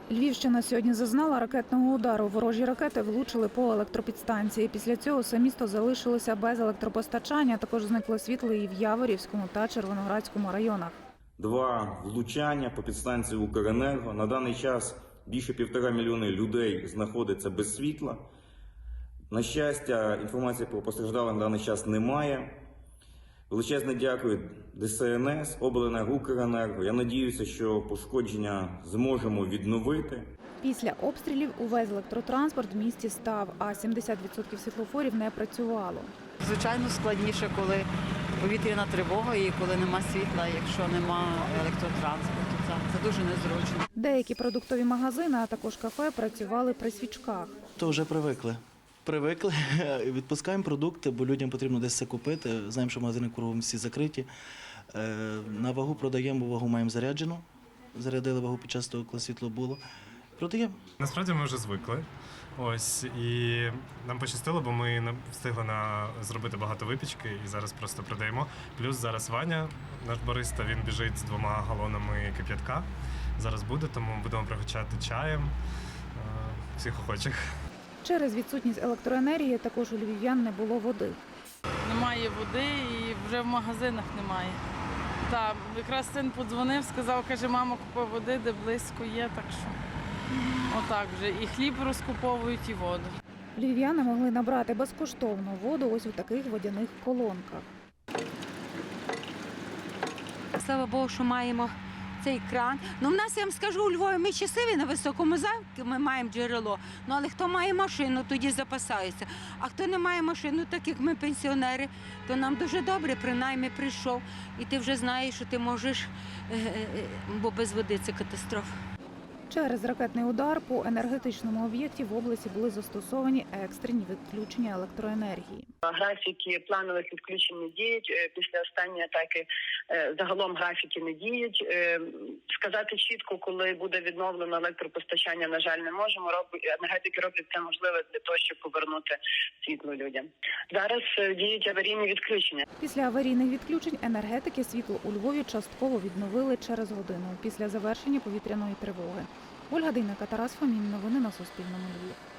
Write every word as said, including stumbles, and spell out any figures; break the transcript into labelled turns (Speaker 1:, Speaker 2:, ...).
Speaker 1: Львівщина сьогодні зазнала ракетного удару. Ворожі ракети влучили по електропідстанції. Після цього все місто залишилося без електропостачання. Також зникло світло і в Яворівському та Червоноградському районах.
Speaker 2: Два влучання по підстанції Укренерго. На даний час більше півтора мільйони людей знаходиться без світла. На щастя, інформації про постраждалих на даний час немає. Величезне дякую Де Ес Ен Ес, Обленерго, Укренерго. Я сподіваюся, що пошкодження зможемо відновити.
Speaker 1: Після обстрілів увесь електротранспорт в місті став, а сімдесят відсотків світлофорів не працювало.
Speaker 3: Звичайно, складніше, коли повітряна тривога і коли нема світла, якщо нема електротранспорту. Це, це дуже незручно.
Speaker 1: Деякі продуктові магазини, а також кафе працювали при свічках.
Speaker 4: То вже привикли. Привикли, відпускаємо продукти, бо людям потрібно десь це купити. Знаємо, що магазини кругом всі закриті. На вагу продаємо, бо вагу маємо заряджену. Зарядили вагу під час того, коли світло було. Продаємо.
Speaker 5: Насправді ми вже звикли. Ось, і нам пощастило, бо ми встигли на зробити багато випічки і зараз просто продаємо. Плюс зараз Ваня, наш бариста, він біжить з двома галонами кип'ятка. Зараз буде, тому будемо пригощати чаєм всіх охочих.
Speaker 1: Через відсутність електроенергії також у львів'ян не було води.
Speaker 6: Немає води і вже в магазинах немає. Так, якраз син подзвонив, сказав, каже, мама, купи води, де близько є, так що отак вже. І хліб розкуповують, і воду.
Speaker 1: Львів'яни могли набрати безкоштовно воду ось у таких водяних колонках.
Speaker 7: Слава Богу, що маємо цей кран. Ну, в нас, я вам скажу, у Львові ми щасливі на високому замку, ми маємо джерело. Ну, але хто має машину, тоді запасається. А хто не має машину, так як ми пенсіонери, то нам дуже добре, принаймні прийшов. І ти вже знаєш, що ти можеш, бо без води це катастрофа.
Speaker 1: Через ракетний удар по енергетичному об'єкті в області були застосовані екстрені відключення електроенергії.
Speaker 8: Графіки планових відключень не діють. Після останньої атаки загалом графіки не діють. Сказати чітко, коли буде відновлено електропостачання, на жаль, не можемо. Енергетики роблять це можливе для того, щоб повернути світло людям. Зараз діють аварійні відключення.
Speaker 1: Після аварійних відключень енергетики світло у Львові частково відновили через годину після завершення повітряної тривоги. Ольга Дейнека, Тарас Фомін. Новини на Суспільному. Львів.